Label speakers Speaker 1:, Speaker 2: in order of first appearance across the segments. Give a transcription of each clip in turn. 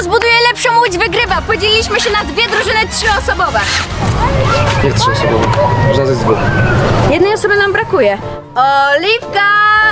Speaker 1: zbuduje lepszą łódź, wygrywa. Podzieliliśmy się na dwie drużyny 3-osobowe.
Speaker 2: Jak 3-osobowe? Można ze 2.
Speaker 1: Jednej osoby nam brakuje. Oliwka!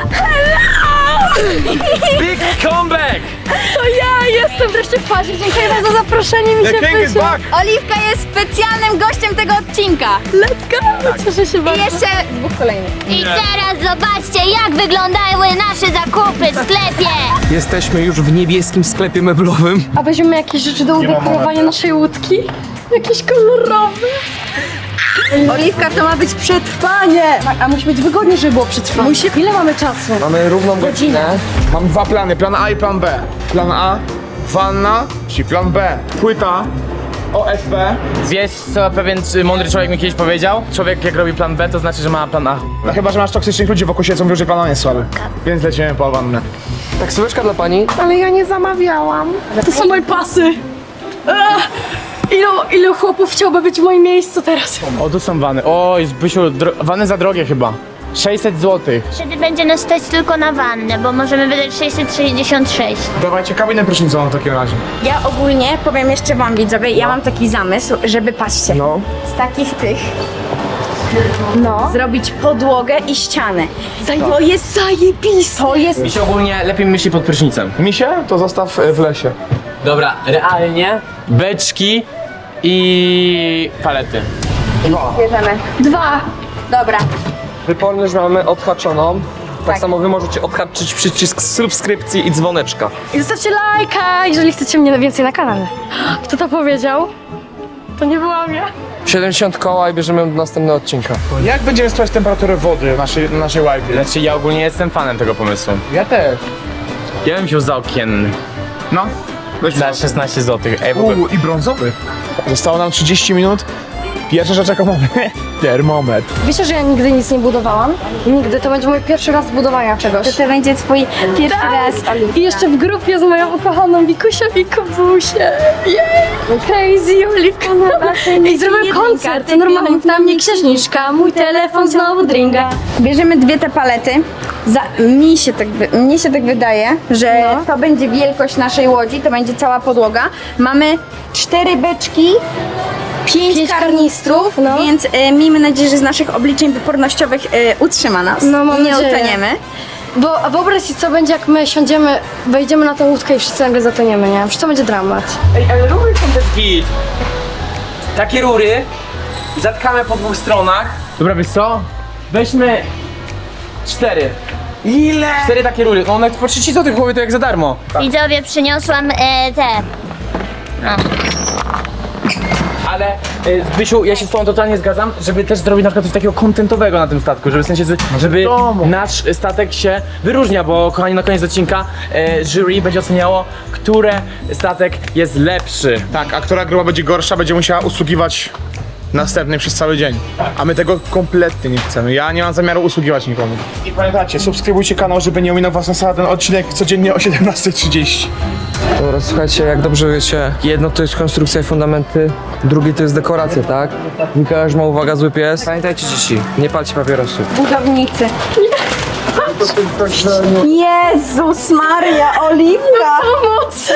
Speaker 3: Big comeback!
Speaker 1: To ja jestem wreszcie w fazie. Dziękuję za zaproszenie, mi się wyszło. Oliwka jest specjalnym gościem tego odcinka. Let's go! Cieszę się bardzo. I jeszcze 2 kolejnych.
Speaker 4: I teraz zobaczcie, jak wyglądały nasze zakupy w sklepie.
Speaker 2: Jesteśmy już w niebieskim sklepie meblowym.
Speaker 5: A weźmiemy jakieś rzeczy do udekorowania naszej łódki? Jakieś kolorowe?
Speaker 1: Oliwka, to ma być przetrwanie.
Speaker 5: A musi być wygodnie, żeby było przetrwanie. Ile mamy czasu?
Speaker 2: Mamy równą godzinę. Mam 2 plany, plan A i plan B. Plan A, wanna, czyli plan B, płyta, OSB.
Speaker 3: Wiesz co pewien mądry człowiek mi kiedyś powiedział? Człowiek jak robi plan B, to znaczy, że ma plan A.
Speaker 2: No chyba, że masz toksycznych ludzi wokół siebie, co mówią, że plan A jest słaby. Więc lecimy po wannę. Taksóweczka dla pani. Ale ja nie zamawiałam.
Speaker 5: To są moje pasy. Ilu chłopów chciałby być w moim miejscu teraz?
Speaker 3: O, tu są wany. Oj, Zbysiu, wany za drogie chyba. 600 zł.
Speaker 4: Wtedy będzie nas stać tylko na wannę, bo możemy wydać 666.
Speaker 2: Dawajcie kabinę prysznicową w takim razie.
Speaker 1: Ja ogólnie powiem jeszcze wam, widzowie, ja mam taki zamysł, żeby, patrzcie,
Speaker 2: No.
Speaker 1: z takich tych zrobić podłogę i ścianę. To jest zajebiste. To jest...
Speaker 3: Mi się ogólnie lepiej myśli pod prysznicem.
Speaker 2: Misie to zostaw w lesie.
Speaker 3: Dobra, realnie beczki i palety.
Speaker 1: Bierzemy.
Speaker 5: 2.
Speaker 1: Dobra.
Speaker 2: Wyporność mamy odhaczoną. Tak samo wy możecie odhaczyć przycisk subskrypcji i dzwoneczka.
Speaker 5: I zostawcie lajka, jeżeli chcecie mnie więcej na kanale. Kto to powiedział? To nie byłam ja.
Speaker 2: 70 koła i bierzemy do następnego odcinka. Jak będziemy sprawdzić temperaturę wody na naszej łajbie?
Speaker 3: Znaczy, ja ogólnie jestem fanem tego pomysłu.
Speaker 2: Ja też.
Speaker 3: Ja bym wziął za okienny.
Speaker 2: No.
Speaker 3: Za 16 zł. Ej, w ogóle.
Speaker 2: I brązowy. Zostało nam 30 minut. Pierwsza rzecz, jaką mamy. Termometr.
Speaker 5: Wiecie, że ja nigdy nic nie budowałam? Nigdy. To będzie mój pierwszy raz budowania czegoś.
Speaker 1: To będzie twój pierwszy raz, Oliwka.
Speaker 5: I jeszcze w grupie z moją ukochaną Wikusią i Kubusię. Crazy Oliwka na basenie. I zrobię koncert. To normalnie na mnie księżniczka. Mój telefon znowu dringa.
Speaker 1: Bierzemy 2 te palety. Mnie się tak wydaje, że to będzie wielkość naszej łodzi, to będzie cała podłoga. Mamy 4 beczki, 5 karnistrów,
Speaker 5: no.
Speaker 1: więc miejmy nadzieję, że z naszych obliczeń wypornościowych utrzyma nas.
Speaker 5: No, mam
Speaker 1: nie
Speaker 5: nadzieję.
Speaker 1: utoniemy.
Speaker 5: A wyobraź sobie, co będzie, jak my siądziemy, wejdziemy na tę łódkę i wszyscy nagle zatoniemy, nie? Przecież to będzie dramat.
Speaker 3: Ej, ale rury są też git. Takie rury zatkamy po 2 stronach. Dobra, wiesz co? Weźmy 4.
Speaker 2: Ile?
Speaker 3: 4 takie rury. No one po 30 zł chłopie, to jak za darmo.
Speaker 4: Widzowie, przyniosłam te.
Speaker 3: Ale Zbysiu, ja się z tobą totalnie zgadzam, żeby też zrobić na przykład coś takiego kontentowego na tym statku, żeby w sensie, żeby nasz statek się wyróżnia, bo kochani, na koniec odcinka jury będzie oceniało, który statek jest lepszy.
Speaker 2: Tak, a która grupa będzie gorsza, będzie musiała usługiwać następnej przez cały dzień. A my tego kompletnie nie chcemy. Ja nie mam zamiaru usługiwać nikomu. I pamiętajcie, subskrybujcie kanał, żeby nie ominął was na ten odcinek codziennie o 17:30. Dobra, słuchajcie, jak dobrze wiecie, jedno to jest konstrukcja i fundamenty, drugie to jest dekoracja, tak? Mikołaj ma uwaga, zły pies. Pamiętajcie dzieci, nie palcie papierosów.
Speaker 1: Budownicy. Jezus Maria, Oliwka!
Speaker 5: Pomoc!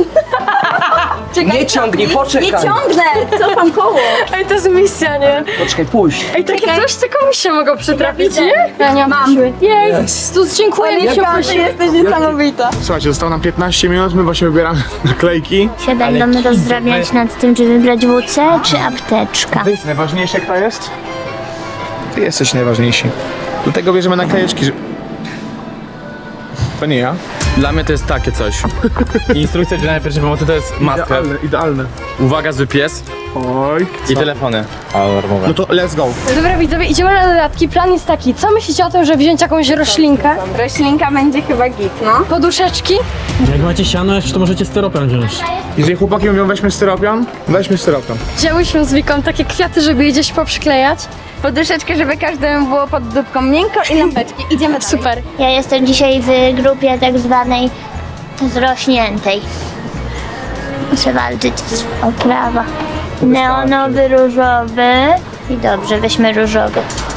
Speaker 2: Nie ciągnij, poczekaj!
Speaker 1: Nie ciągnę! Cofam koło!
Speaker 5: Ej, to jest misja, nie?
Speaker 2: Poczekaj, pójść.
Speaker 5: Ej, takie coś tylko mi się mogło przytrafić, nie? Ja nie mam. Jej, dziękuję, mi się
Speaker 1: Ty jesteś niesamowita.
Speaker 2: Słuchajcie, zostało nam 15 minut, my właśnie wybieramy naklejki.
Speaker 4: Się będą rozdrabniać nad tym, czy wybrać WC czy apteczka.
Speaker 2: Ty jest najważniejsze, kto jest? Ty jesteś najważniejsi. Do tego bierzemy naklejeczki, że... To nie ja.
Speaker 3: Dla mnie to jest takie coś. Instrukcja udzielania pierwszej pomocy to jest must have.
Speaker 2: Idealne.
Speaker 3: Uwaga, zły pies
Speaker 2: Oj.
Speaker 3: i telefony alarmowe.
Speaker 2: No to let's go.
Speaker 5: Dobra widzowie, idziemy na dodatki. Plan jest taki, co myślicie o tym, żeby wziąć jakąś roślinkę?
Speaker 1: Roślinka będzie chyba git, no.
Speaker 5: Poduszeczki?
Speaker 6: Jak macie siano jeszcze, to możecie styropian wziąć.
Speaker 2: Jeżeli chłopaki mówią weźmy styropian, weźmy styropian.
Speaker 5: Wzięłyśmy z Wiką takie kwiaty, żeby je gdzieś poprzyklejać.
Speaker 1: Poduszeczkę, żeby każdemu było pod dupką miękko i lampeczki. Idziemy dalej.
Speaker 5: Super.
Speaker 4: Ja jestem dzisiaj w grupie tak zwanej zrośniętej. Muszę walczyć o prawa. Neonowy, różowy i dobrze, weźmy różowy.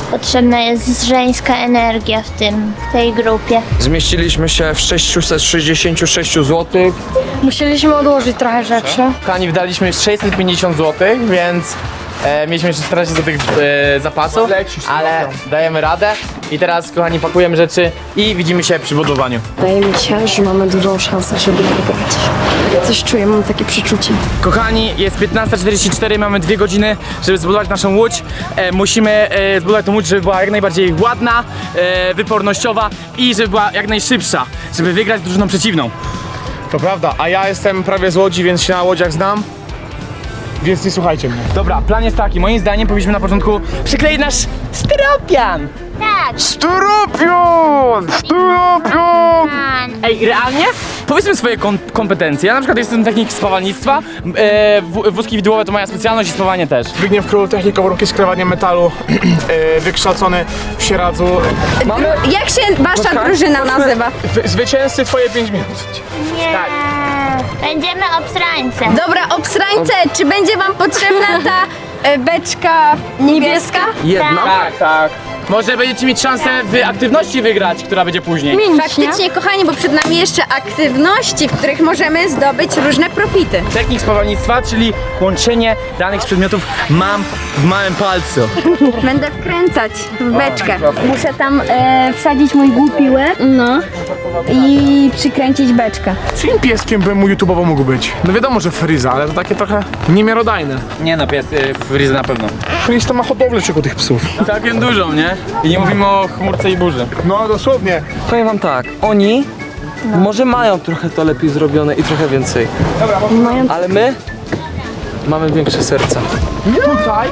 Speaker 4: Potrzebna jest żeńska energia w tej grupie.
Speaker 7: Zmieściliśmy się w 666 zł.
Speaker 5: Musieliśmy odłożyć trochę rzeczy.
Speaker 3: Kochani, wydaliśmy 650 zł, więc mieliśmy jeszcze 14 zł zapasu, ale dajemy radę. I teraz, kochani, pakujemy rzeczy i widzimy się przy budowaniu.
Speaker 5: Wydaje mi się, że mamy dużą szansę, żeby wygrać. Ja coś czuję, mam takie przeczucie.
Speaker 3: Kochani, jest 15:44, mamy 2 godziny, żeby zbudować naszą łódź. Musimy zbudować tą łódź, żeby była jak najbardziej ładna, wypornościowa i żeby była jak najszybsza, żeby wygrać drużyną przeciwną.
Speaker 2: To prawda, a ja jestem prawie z Łodzi, więc się na łodziach znam. Więc nie słuchajcie mnie.
Speaker 3: Dobra, plan jest taki, moim zdaniem powinniśmy na początku przykleić nasz styropian.
Speaker 4: Tak.
Speaker 2: Styropion! Styropion!
Speaker 3: Ej, realnie? Powiedzmy swoje kompetencje. Ja na przykład jestem technik spawalnictwa, wózki widłowe to moja specjalność i spawanie też.
Speaker 2: Zbigniew Król, technika warunki skrywania metalu, wykształcony w Sieradzu.
Speaker 1: Jak się wasza drużyna nazywa?
Speaker 2: Zwycięzcy twoje 5 minut.
Speaker 4: Nie. Będziemy obstrańcem.
Speaker 1: Dobra, obsrańce, czy będzie wam potrzebna ta beczka niebieska?
Speaker 7: Jedna.
Speaker 3: Tak, tak. Może będziecie mieć szansę w aktywności wygrać, która będzie później.
Speaker 1: Faktycznie, kochani, bo przed nami jeszcze aktywności, w których możemy zdobyć różne profity.
Speaker 3: Technik spawalnictwa, czyli łączenie danych z przedmiotów mam w małym palcu.
Speaker 1: Będę wkręcać w beczkę. Muszę tam wsadzić mój głupi łeb, no, i przykręcić beczkę.
Speaker 2: Czyim pieskiem bym mu YouTube'owo mógł być? No wiadomo, że Fryza, ale to takie trochę niemiarodajne.
Speaker 3: Nie no, pies Frizy na pewno.
Speaker 2: Fryz to ma hodowlę czego tych psów.
Speaker 3: Całkiem dużo, nie? I nie mówimy o chmurce i burzy.
Speaker 2: No dosłownie.
Speaker 7: Powiem wam tak, oni może mają trochę to lepiej zrobione i trochę więcej. Ale my mamy większe serca.
Speaker 2: Tutaj?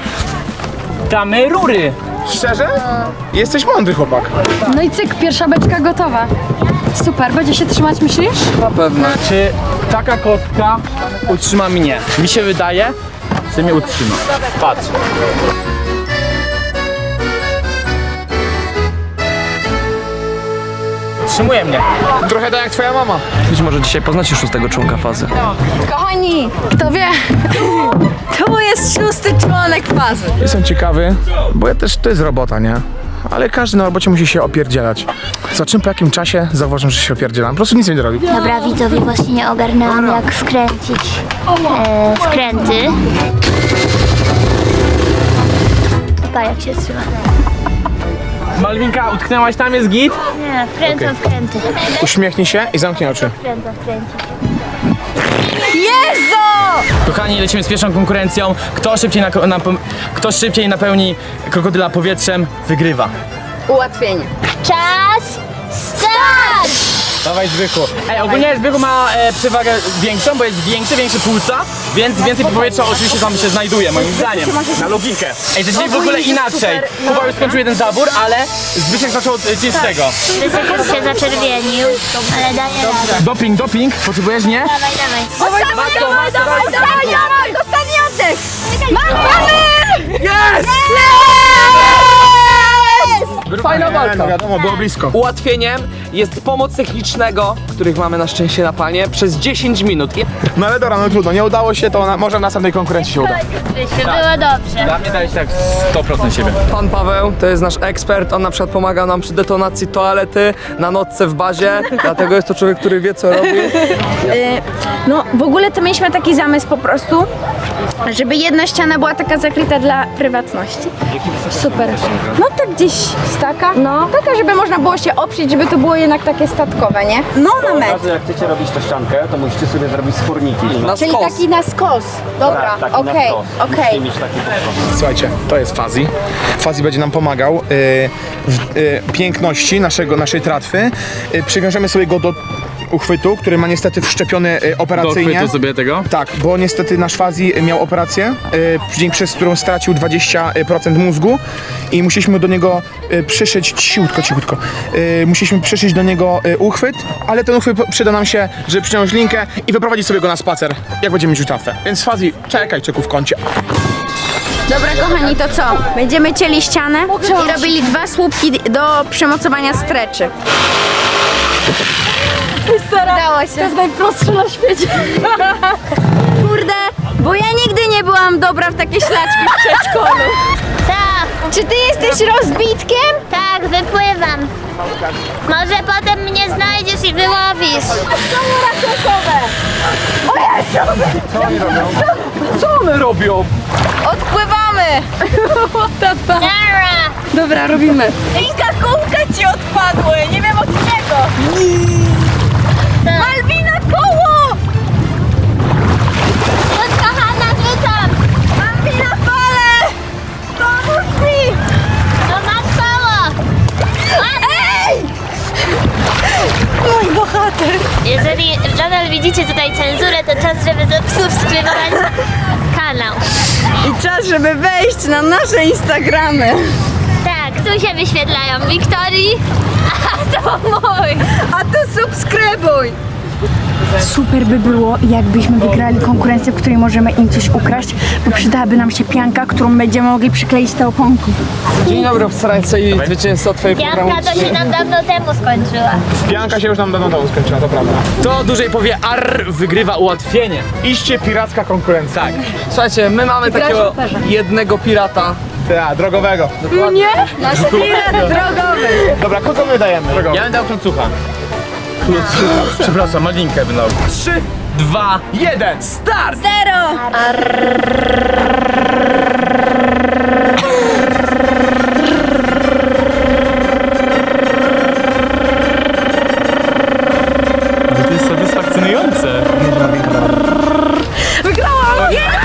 Speaker 3: Damy rury.
Speaker 2: Szczerze? Jesteś mądry chłopak.
Speaker 5: No i cyk, pierwsza beczka gotowa. Super, będzie się trzymać, myślisz?
Speaker 7: Na pewno.
Speaker 3: Czy taka kostka utrzyma mnie? Mi się wydaje, że mnie utrzyma. Patrz. Utrzymuje mnie.
Speaker 2: Trochę tak jak twoja mama.
Speaker 7: Być może dzisiaj poznacie 6. członka fazy.
Speaker 1: Kochani, kto wie, to jest 6. członek fazy.
Speaker 2: Jestem ciekawy, bo ja też, to jest robota, nie? Ale każdy na robocie musi się opierdzielać. Za czym po jakim czasie zauważam, że się opierdzielam. Po prostu nic nie robił.
Speaker 4: Dobra, widzowie, właśnie nie ogarnęłam, jak wkręcić skręty. Pa, jak się trzyma.
Speaker 3: Malwinka, utknęłaś tam, jest git?
Speaker 4: Nie, wkręcam skręty.
Speaker 2: Uśmiechnij się i zamknij oczy.
Speaker 4: Wkręcam skręcić.
Speaker 1: Jezu!
Speaker 3: Kochani, lecimy z pierwszą konkurencją. Kto szybciej napełni krokodyla powietrzem, wygrywa.
Speaker 1: Ułatwienie.
Speaker 4: Czas, start!
Speaker 3: Dawaj Zbychu. Ej, ogólnie Zbychu ma przewagę większą, bo jest większy płuca, więc więcej powietrza oczywiście tam się znajduje, moim zdaniem. Na logikę. Ej, zaczęli w ogóle inaczej. Kuba już skończył jeden zabór, ale Zbyszek zaczął od czystego.
Speaker 4: Wysek już się zaczerwienił, ale daje radę.
Speaker 3: Doping, potrzebujesz, nie?
Speaker 4: Dawaj, dawaj.
Speaker 1: Dawaj, ostatni oddech! Mamy!
Speaker 2: Jest!
Speaker 7: Fajna walka.
Speaker 2: No wiadomo, było blisko.
Speaker 7: Ułatwieniem jest pomoc technicznego, których mamy na szczęście na planie, przez 10 minut.
Speaker 2: No ale dobra, no trudno, nie udało się, to może w następnej konkurencji się uda.
Speaker 4: Było dobrze.
Speaker 3: Dla mnie dałeś tak 100% siebie.
Speaker 7: Pan Paweł to jest nasz ekspert, on na przykład pomaga nam przy detonacji toalety na nocce w bazie, dlatego jest to człowiek, który wie co robi.
Speaker 1: No, w ogóle to mieliśmy taki zamysł po prostu, żeby jedna ściana była taka zakryta dla prywatności. Super. No tak gdzieś staka. No. Taka, żeby można było się oprzeć, żeby to było jednak takie statkowe, nie? No na metr.
Speaker 8: Jak chcecie robić tą ściankę, to musicie sobie zrobić sporniki.
Speaker 7: Na
Speaker 1: Czyli
Speaker 7: skos.
Speaker 1: taki na skos. Dobra,
Speaker 8: Taki na
Speaker 1: okej,
Speaker 8: wprost.
Speaker 1: okej.
Speaker 8: Musicie mieć taki
Speaker 2: Słuchajcie, to jest Fazi. Fazi będzie nam pomagał w piękności naszej tratwy. Przywiążemy sobie go do uchwytu, który ma niestety wszczepiony operacyjnie.
Speaker 3: sobie tego?
Speaker 2: Tak, bo niestety nasz Fazi miał operację, przez którą stracił 20% mózgu i musieliśmy do niego przyszyć, cichutko, musieliśmy przyszyć do niego uchwyt, ale ten uchwyt przyda nam się, żeby przyciągnąć linkę i wyprowadzić sobie go na spacer, jak będziemy mieć tratwę. Więc Fazi, czekaj, czeku w kącie.
Speaker 1: Dobra, kochani, to co? Będziemy cieli ścianę i robili 2 słupki do przymocowania streczy. Udało się.
Speaker 5: To jest najprostsze na świecie.
Speaker 1: Kurde, bo ja nigdy nie byłam dobra w takie ślaczki w przedszkolu.
Speaker 4: Tak,
Speaker 1: Czy ty jesteś rozbitkiem?
Speaker 4: Tak, wypływam. Może potem mnie znajdziesz i wyłowisz.
Speaker 7: Co one robią?
Speaker 1: Odpływamy!
Speaker 4: Nara!
Speaker 5: Dobra, robimy.
Speaker 1: Rika, kółka ci odpadły, nie wiem od czego. Malwina, koło!
Speaker 4: Chodź, kochana, rzucam.
Speaker 1: Malwina, fale! Pomóż mi!
Speaker 4: No masz koło.
Speaker 1: Ej! Mój bohater!
Speaker 4: Jeżeli nadal widzicie tutaj cenzurę, to czas, żeby subskrybować kanał.
Speaker 1: I czas, żeby wejść na nasze Instagramy.
Speaker 4: Tak, tu się wyświetlają Wiktorii, a to mój.
Speaker 1: A to subskrybuj! Super by było, jakbyśmy wygrali konkurencję, w której możemy im coś ukraść, bo przydałaby nam się pianka, którą będziemy mogli przykleić do oponku.
Speaker 7: Dzień dobry, obsrańce i zwycięzca twojej programu.
Speaker 4: Pianka to się nam dawno temu skończyła.
Speaker 2: Pianka się już nam dawno temu skończyła, to prawda.
Speaker 3: To dłużej powie arr, wygrywa ułatwienie.
Speaker 2: Iście piracka konkurencja.
Speaker 3: Tak.
Speaker 7: Słuchajcie, my mamy takiego jednego pirata.
Speaker 2: Tak, drogowego.
Speaker 1: Nie? Nasz pirat drogowy.
Speaker 2: Dobra, kogo my dajemy?
Speaker 3: Ja będę dał klocucha. Przepraszam, malinkę będę dał. 3, 2, 1, start!
Speaker 1: Zero!
Speaker 3: To jest satysfakcjonujące.
Speaker 1: Wygrałam!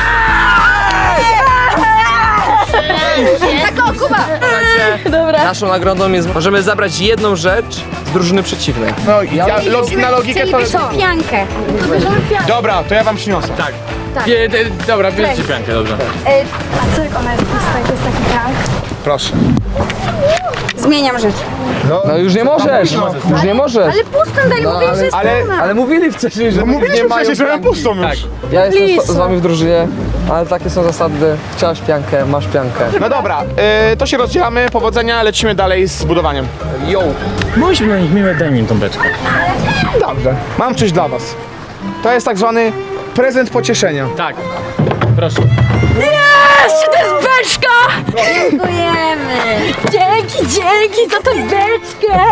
Speaker 1: Tak, o, Kuba!
Speaker 7: Naszą nagrodą jest, możemy zabrać jedną rzecz z drużyny przeciwnej.
Speaker 2: No, na logikę to...
Speaker 1: Piankę.
Speaker 2: Dobra, to ja wam przyniosę.
Speaker 3: Tak. Dobra, bierzcie piankę, dobrze.
Speaker 1: A co jak ona jest to jest taki prank?
Speaker 2: Proszę.
Speaker 1: Zmieniam rzecz.
Speaker 7: No już nie możesz, już nie możesz.
Speaker 1: Ale pustą daj,
Speaker 7: No,
Speaker 1: mówię, że jest
Speaker 2: ale-
Speaker 1: pełna.
Speaker 7: Ale mówili wcześniej, że nie
Speaker 2: Mówiliśmy
Speaker 7: mają
Speaker 2: przecież, że
Speaker 7: pianki.
Speaker 2: pustą już.
Speaker 7: Ja jestem z wami w drużynie, ale takie są zasady. Chciałaś piankę, masz piankę.
Speaker 2: No dobra, to się rozdzielamy, powodzenia, lecimy dalej z budowaniem.
Speaker 7: Yo!
Speaker 3: Bądźmy na nich miłe, daj mi tą beczkę.
Speaker 2: Dobrze. Mam coś dla was. To jest tak zwany prezent pocieszenia.
Speaker 3: Tak. Proszę.
Speaker 1: To jest beczka! Dziękujemy! Dzięki za tą beczkę!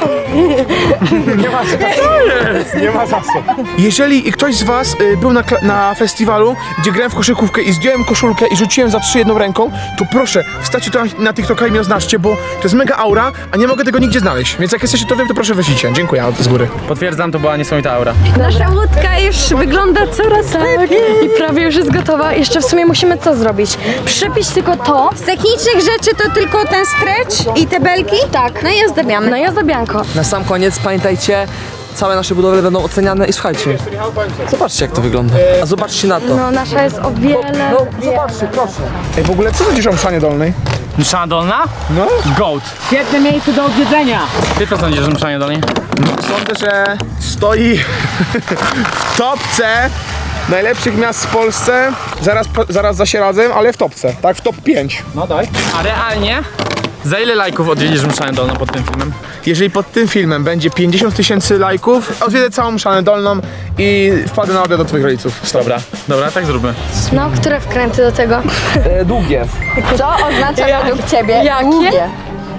Speaker 2: Nie ma za co. Jeżeli ktoś z was był na festiwalu, gdzie grałem w koszykówkę i zdjąłem koszulkę i rzuciłem za 3 jedną ręką, to proszę, wstawcie to na TikToka i mnie oznaczcie, bo to jest mega aura, a nie mogę tego nigdzie znaleźć. Więc jak jesteście to wiem, to proszę wyślijcie. Dziękuję z góry.
Speaker 3: Potwierdzam, to była niesamowita aura.
Speaker 5: Nasza łódka już wygląda coraz lepiej i prawie już jest gotowa. Jeszcze w sumie musimy co zrobić? Przyczepić tylko to.
Speaker 1: Z technicznych rzeczy to tylko ten stretch i te belki? Tak. No i ozdabiamy.
Speaker 5: No i ozdabianko.
Speaker 7: Na sam koniec pamiętajcie, całe nasze budowle będą oceniane i słuchajcie, zobaczcie jak to wygląda. A zobaczcie na to.
Speaker 5: No nasza jest o wiele...
Speaker 7: No zobaczcie, proszę.
Speaker 2: Ej, w ogóle co będziesz o mszanie dolnej?
Speaker 3: Mszana dolna?
Speaker 2: No.
Speaker 3: Goat. Świetne miejsce do odwiedzenia. Ty co sądzisz o mszanie dolnej?
Speaker 2: Sądzę, że stoi w topce najlepszych miast w Polsce, zaraz za Sieradzem, ale w topce, tak? W top 5.
Speaker 3: No daj. A realnie? Za ile lajków odwiedzisz mszanę dolną pod tym filmem?
Speaker 2: Jeżeli pod tym filmem będzie 50 000 lajków, odwiedzę całą Mszanę Dolną i wpadę na obiad do twoich rodziców.
Speaker 3: Dobra, tak zróbmy.
Speaker 5: No, które wkręty do tego?
Speaker 7: Długie.
Speaker 1: Co oznacza według ciebie?
Speaker 5: Jakie?
Speaker 1: Długie.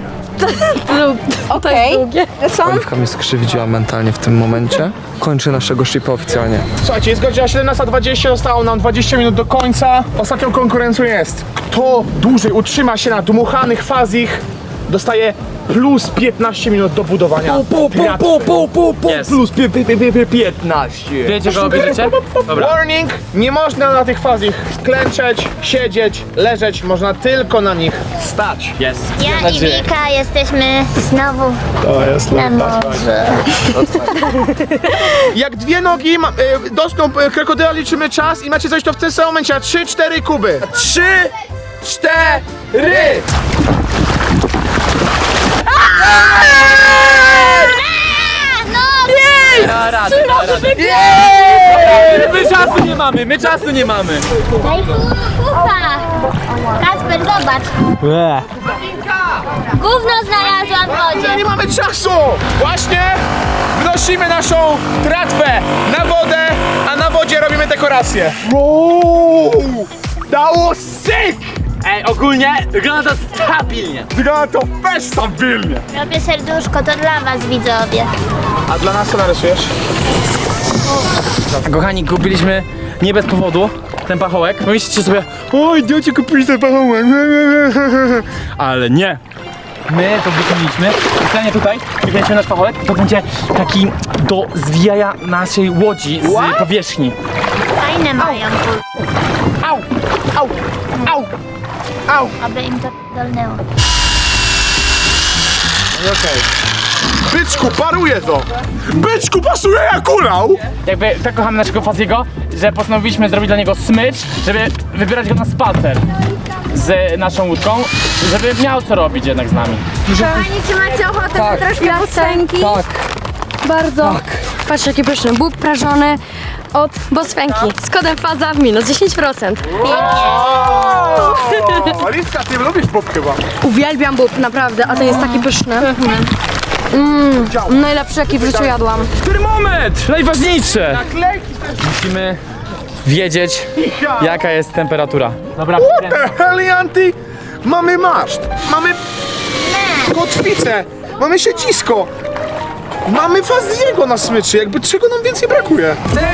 Speaker 5: To jest długie.
Speaker 1: Są?
Speaker 7: Oliwka mnie skrzywdziła mentalnie w tym momencie. Kończę naszego shipa oficjalnie.
Speaker 2: Słuchajcie, jest godzina 17:20, zostało nam 20 minut do końca. Ostatnią konkurencją jest, kto dłużej utrzyma się na dmuchanych fazich, dostaje plus 15 minut do budowania.
Speaker 3: Jest.
Speaker 7: Plus 15.
Speaker 3: Wiecie, kogo bierzecie? Dobra.
Speaker 2: Warning! Nie można na tych fazich klęczeć, siedzieć, leżeć, można tylko na nich stać.
Speaker 3: Jest.
Speaker 4: Ja i Wika jesteśmy znowu na morzu.
Speaker 2: Jak dwie nogi dotkną krokodyla, liczymy czas i macie coś to w tym samym momencie. 3-4 kuby. 3, 4!
Speaker 3: Da radę. My czasu nie mamy.
Speaker 4: Daj kupa! Kacper, zobacz. Gówno znalazłam w wodzie.
Speaker 2: Nie mamy czasu! Właśnie wnosimy naszą tratwę na wodę, a na wodzie robimy dekorację. Wow! That was sick!
Speaker 3: Ej, ogólnie wygląda to stabilnie.
Speaker 2: Wygląda to też stabilnie.
Speaker 4: Robię serduszko, to dla was widzowie.
Speaker 2: A dla nas co narysujesz?
Speaker 3: Kochani, kupiliśmy nie bez powodu ten pachołek. Pomyślicie sobie, oj, idiocie, kupili ten pachołek. Ale nie. My to wykonaliśmy. Stanie tutaj, wykręcimy nasz pachołek. To będzie taki do zwijania naszej łodzi z powierzchni.
Speaker 4: Fajne mają,
Speaker 3: Au! Au! Au! Au!
Speaker 4: aby im to dolnęło.
Speaker 2: Okej. Byczku, paruje to! Byczku, pasuje jak ulał!
Speaker 3: Jakby tak kochamy naszego Faziego, że postanowiliśmy zrobić dla niego smycz, żeby wybierać go na spacer z naszą łódką, żeby miał co robić jednak z nami.
Speaker 1: Kochani, czy macie ochotę na troszkę piosenki?
Speaker 7: Tak.
Speaker 5: Bardzo. Patrzcie, jaki pyszny. Bób prażony od Bosfenki. Z kodem FAZA minus 10%.
Speaker 2: Aliska, ty lubisz bób chyba.
Speaker 5: Uwielbiam bób, naprawdę, a ten jest taki pyszny. Najlepszy, jaki w życiu jadłam.
Speaker 3: Termometr! Najważniejsze! Musimy wiedzieć, jaka jest temperatura. Dobra,
Speaker 2: Helianty, mamy maszt, mamy kotwicę, mamy siedzisko, mamy Faziego na smyczy, jakby czego nam więcej brakuje?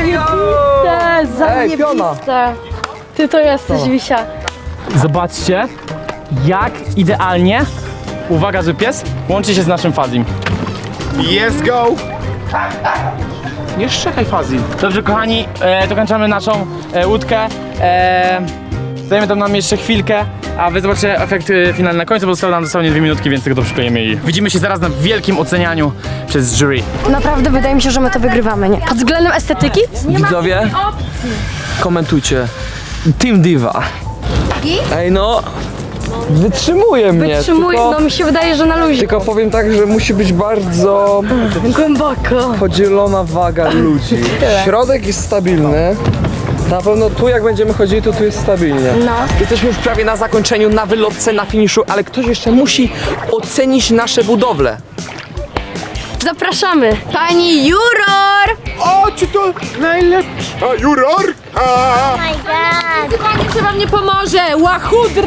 Speaker 5: Zajebiste. Ty to jesteś, Wisia.
Speaker 3: zobaczcie, jak idealnie, uwaga, że pies łączy się z naszym Fazim.
Speaker 2: Yes, go! Nie szczekaj Fazi.
Speaker 3: Dobrze, kochani, dokończamy naszą łódkę. Zajmie to nam jeszcze chwilkę, a wy zobaczycie efekt finalny na końcu, bo zostały nam dosłownie 2 minutki, więc tylko to przyklejemy i widzimy się zaraz na wielkim ocenianiu przez jury.
Speaker 5: Naprawdę wydaje mi się, że my to wygrywamy, nie? Pod względem estetyki?
Speaker 7: Widzowie, komentujcie. Team Diva. Ej no, wytrzymuje mnie.
Speaker 5: Wytrzymuj,
Speaker 7: tylko,
Speaker 5: no mi się wydaje, że na luzie.
Speaker 7: tylko powiem tak, że musi być bardzo
Speaker 5: Głęboko.
Speaker 7: podzielona waga ludzi. Środek jest stabilny. Na pewno tu jak będziemy chodzili, to tu jest stabilnie.
Speaker 5: No.
Speaker 7: Jesteśmy już prawie na zakończeniu, na wylotce, na finiszu, ale ktoś jeszcze musi ocenić nasze budowle.
Speaker 5: Zapraszamy.
Speaker 1: Pani Juror!
Speaker 2: O, czy to najlepsza jurorka?
Speaker 4: Oh my god!
Speaker 5: Pani chyba mnie pomoże. Łachudry!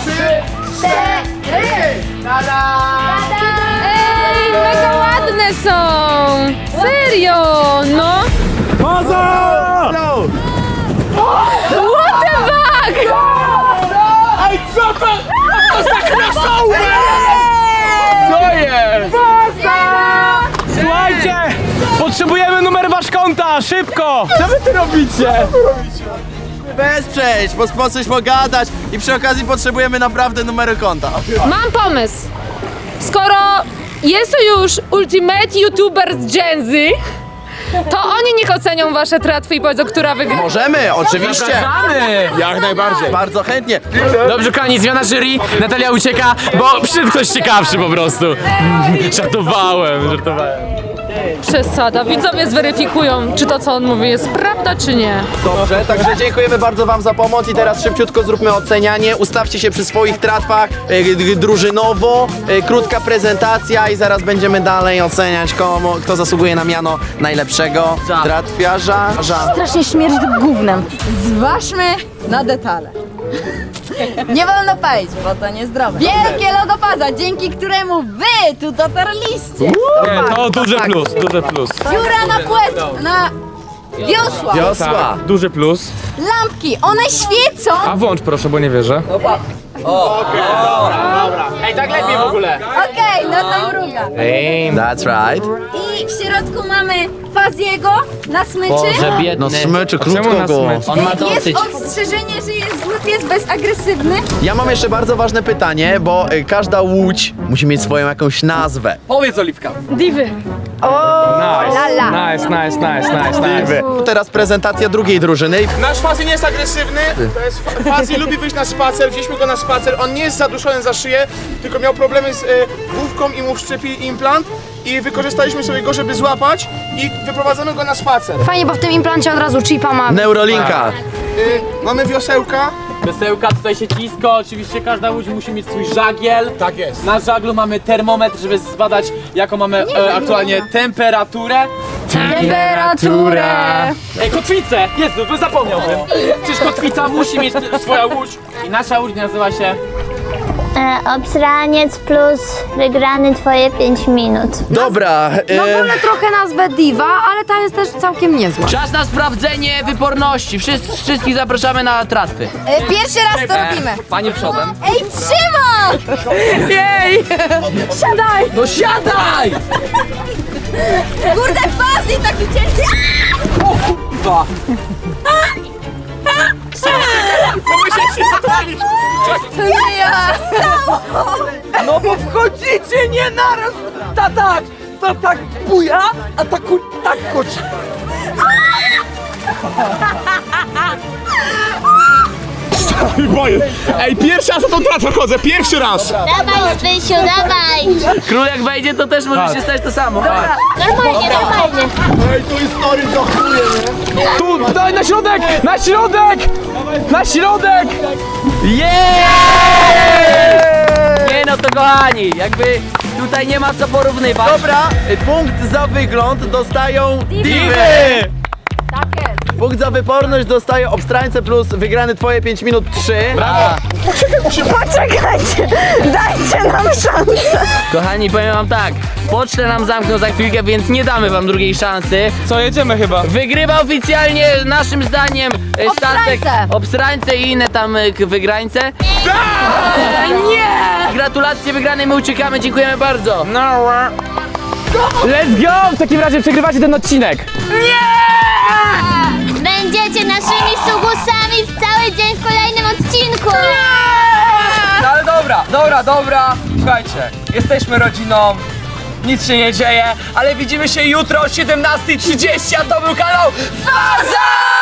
Speaker 5: Ej, mega ładne są. Serio, no.
Speaker 2: Faza!
Speaker 5: What the fuck?
Speaker 2: Ej, co to? To za krasołę!
Speaker 3: Co jest? Słuchajcie! Potrzebujemy numer wasz konta, szybko! Co wy tu robicie?
Speaker 9: Wesprzeć, bo sposób pogadać i przy okazji potrzebujemy naprawdę numeru konta.
Speaker 10: Mam pomysł. Skoro jest to już Ultimate YouTuber z Gen Z, to oni niech ocenią wasze tratwy i powiedzą, która wygra.
Speaker 9: Możemy, oczywiście.
Speaker 3: Zapraszamy!
Speaker 2: Jak najbardziej.
Speaker 9: Bardzo chętnie.
Speaker 3: Dobrze, kochani, zmiana jury. Natalia ucieka, bo przyszedł ktoś ciekawszy po prostu. Żartowałem.
Speaker 10: Przesada. Widzowie zweryfikują, czy to, co on mówi, jest prawda, czy nie.
Speaker 9: Dobrze, także dziękujemy bardzo wam za pomoc i teraz szybciutko zróbmy ocenianie. Ustawcie się przy swoich tratwach drużynowo, krótka prezentacja i zaraz będziemy dalej oceniać, kto zasługuje na miano najlepszego tratwiarza.
Speaker 1: Strasznie śmierdzi gównem. Zważmy na detale. Nie wolno palić, bo to niezdrowe. Wielkie logofaza, dzięki któremu wy tu dotarliście.
Speaker 3: To duży plus, duży plus.
Speaker 1: Dziura na płet, na wiosła.
Speaker 9: Wiosła.
Speaker 3: Duży plus.
Speaker 1: Lampki, one świecą.
Speaker 3: A włącz proszę, bo nie wierzę. Ej, tak lepiej w ogóle.
Speaker 1: Okej, no to mruga.
Speaker 9: That's right.
Speaker 1: I w środku mamy Faziego na smyczy.
Speaker 9: No smyczy, krótko
Speaker 3: na
Speaker 9: go.
Speaker 3: smyczy?
Speaker 1: Jest ostrzeżenie, że jest zły pies bezagresywny.
Speaker 9: Ja mam jeszcze bardzo ważne pytanie, bo każda łódź musi mieć swoją jakąś nazwę.
Speaker 7: Powiedz, Oliwka.
Speaker 5: Diwy.
Speaker 3: Nice.
Speaker 9: Teraz prezentacja drugiej drużyny.
Speaker 2: Nasz Fazi nie jest agresywny, to jest Fazi lubi wyjść na spacer, wzięliśmy go na spacer, on nie jest zaduszony za szyję, tylko miał problemy z główką i mu wszczepili implant i wykorzystaliśmy sobie go, żeby złapać i wyprowadzamy go na spacer.
Speaker 5: Fajnie, bo w tym implancie od razu chipa ma.
Speaker 9: Neurolinka.
Speaker 2: Mamy wiosełka,
Speaker 3: Krzesełka, tutaj siecisko, oczywiście każda łódź musi mieć swój żagiel.
Speaker 2: Tak jest.
Speaker 3: Na żaglu mamy termometr, żeby zbadać jaką mamy aktualnie temperaturę.
Speaker 5: Temperaturę!
Speaker 3: Ej, kotwicę! Jezu, zapomniałbym. Przecież kotwica musi mieć swoją łódź. I nasza łódź nazywa się...
Speaker 4: Obsraniec plus wygrany twoje 5 minut.
Speaker 9: Dobra,
Speaker 5: No wolę trochę nazwę Diva, ale ta jest też całkiem niezła.
Speaker 7: Czas na sprawdzenie wyporności. Wszystkich zapraszamy na tratwy.
Speaker 1: Pierwszy raz to robimy.
Speaker 7: Panie przodem.
Speaker 1: Ej, trzymaj!
Speaker 5: Jej! Siadaj!
Speaker 7: No siadaj!
Speaker 1: Kurde, faz i taki ciężki. To nie ja!
Speaker 7: No bo wchodzicie nie naraz! Ta tak buja, a ta tak koci.
Speaker 2: Boję. Ej, pierwszy raz na tą tratwę chodzę, pierwszy raz!
Speaker 4: Dawaj, Zbysiu, dawaj!
Speaker 7: Król jak wejdzie, to też może się stać to samo.
Speaker 4: Normalnie, normalnie.
Speaker 9: Ej, tu historii to chuje, nie?
Speaker 3: Tu, daj na środek! Na środek! Na środek!
Speaker 7: Nie no to kochani, jakby tutaj nie ma co porównywać.
Speaker 9: Dobra, punkt za wygląd dostają diwy! Punkt za wyporność dostaje obstrańce plus wygrany twoje 5 minut 3.
Speaker 2: Brawo!
Speaker 1: Poczekajcie, dajcie nam szansę.
Speaker 7: Kochani, powiem wam tak, pocztę nam zamkną za chwilkę, więc nie damy wam drugiej szansy.
Speaker 3: Co, jedziemy chyba?
Speaker 7: Wygrywa oficjalnie naszym zdaniem statek Obstrańce i inne tam wygrańce. Nie! Gratulacje wygranej, my uciekamy, dziękujemy bardzo.
Speaker 3: Let's go! W takim razie przegrywacie ten odcinek.
Speaker 4: Będziecie naszymi sługusami w cały dzień w kolejnym odcinku!
Speaker 7: No ale dobra, słuchajcie, jesteśmy rodziną, nic się nie dzieje, ale widzimy się jutro o 17:30, a to był kanał FAZA!